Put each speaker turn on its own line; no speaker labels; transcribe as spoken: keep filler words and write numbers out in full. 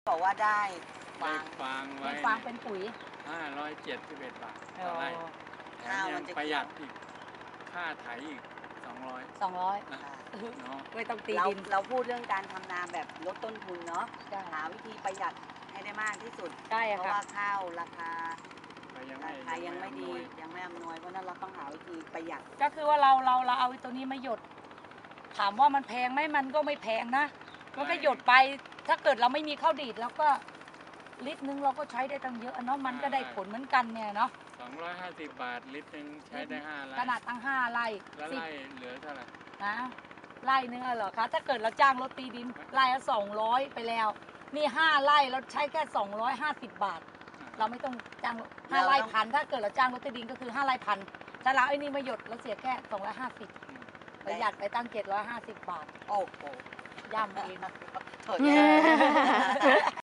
บอกว่าได้ฟา
ได้
ง
ฟาง
ใน
ไว้
ฟางเป็นปุ๋ย
ห้าร้อยเจ็ดสิบเอ็ด บาท
อ๋
ต่อ
อ
ไร่แถม
ข้าว
ยั
มัน
ง
จะ
ประหยัดอีก ค่าไถอีก สองร้อย
สองร้อย
นะ
ค่ะ
เนาะ
ไม่ต้องตี
เรา
ดิน
เราพูดเรื่องการทำนาแบบลดต้นทุนเนาะ
ใช่
หาวิธีประหยัดให้ได้มากที่สุด
ใช่
เพราะ
ค่ะ
ว่าข้าวราคา
ก็ยัง
รา
ไม่
คายังไม่ดี
อำนวย
ยังไม่อำนวย เพราะฉะนั้นเราต้องหาวิธีประหยัด
ก็คือว่าเราเราเราเอาไอ้ตัวนี้มาหยด ถามว่ามันแพงไหมมันก็ไม่แพงนะ มันก็หยดไป ถ้าเกิดเราไม่มีข้าวดีดเราก็ลิตรนึงเราก็ใช้ได้ตั้งเยอะเนาะ มันก็ได้ผลเหมือนกันเนี่ยเนาะ
สองร้อยห้าสิบ บาท ลิตรหนึ่งใช้ได้ ห้า ไร่
ขนาดตั้งห้าไร่
แล้ว
สิบ
ไร่เหลือเท่าไหร่
นะไร่นึงอะเหรอคะ ถ้าเกิดเราจ้างรถตีดินไร่ละสองร้อยไปแล้ว นี่ห้าไร่เราใช้แค่สองร้อยห้าสิบบาท เราไม่ต้องจ้างห้าไร่พัน ถ้าเกิดเราจ้างรถตีดินก็คือห้าไร่พัน ถ้าเราไอ้นี่มาหยดเราเสียแค่สองร้อยห้าสิบ
อืม
ประหยัดไปตั้งเจ็ดร้อยห้าสิบบาท
โอ้โห
ย่ำเอง
โถแย่